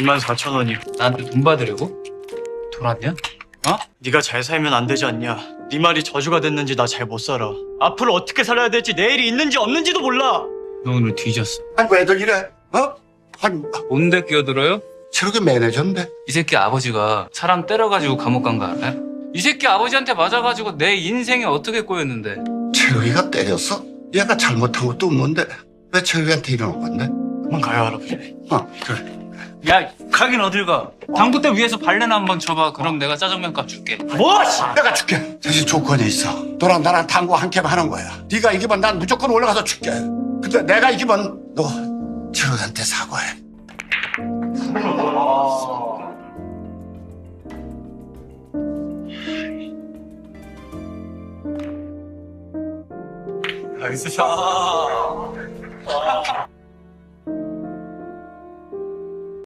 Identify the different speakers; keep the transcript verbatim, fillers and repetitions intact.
Speaker 1: 이만 사천 원이요.
Speaker 2: 나한테 돈 받으려고? 돌았냐? 어?
Speaker 1: 네가 잘 살면 안 되지 않냐? 네 말이 저주가 됐는지 나 잘 못 살아. 앞으로 어떻게 살아야 될지 내일이 있는지 없는지도 몰라.
Speaker 2: 너 오늘 뒤졌어.
Speaker 3: 아니 왜들 이래? 어? 아니
Speaker 2: 뭔데 끼어들어요?
Speaker 3: 저렇게 매니저인데
Speaker 2: 이 새끼 아버지가 사람 때려가지고 감옥 간 거 알아요? 이 새끼 아버지한테 맞아가지고 내 인생이 어떻게 꼬였는데.
Speaker 3: 철욱이가 때렸어? 얘가 잘못한 것도 없는데 왜 철욱이한테 이러는 건데?
Speaker 1: 그만 가요 할아버지.
Speaker 3: 어 그래.
Speaker 2: 야, 가긴 어딜 가? 당구대 위에서 발레나 한번 쳐봐. 그럼 내가 짜장면 값 줄게.
Speaker 1: 뭐? 씨!
Speaker 3: 내가 줄게. 대신 조건이 있어. 너랑 나랑 당구 한 캠 하는 거야. 네가 이기면 난 무조건 올라가서 줄게. 근데 내가 이기면 너 철욱이한테 사과해.
Speaker 1: 나이스 샷.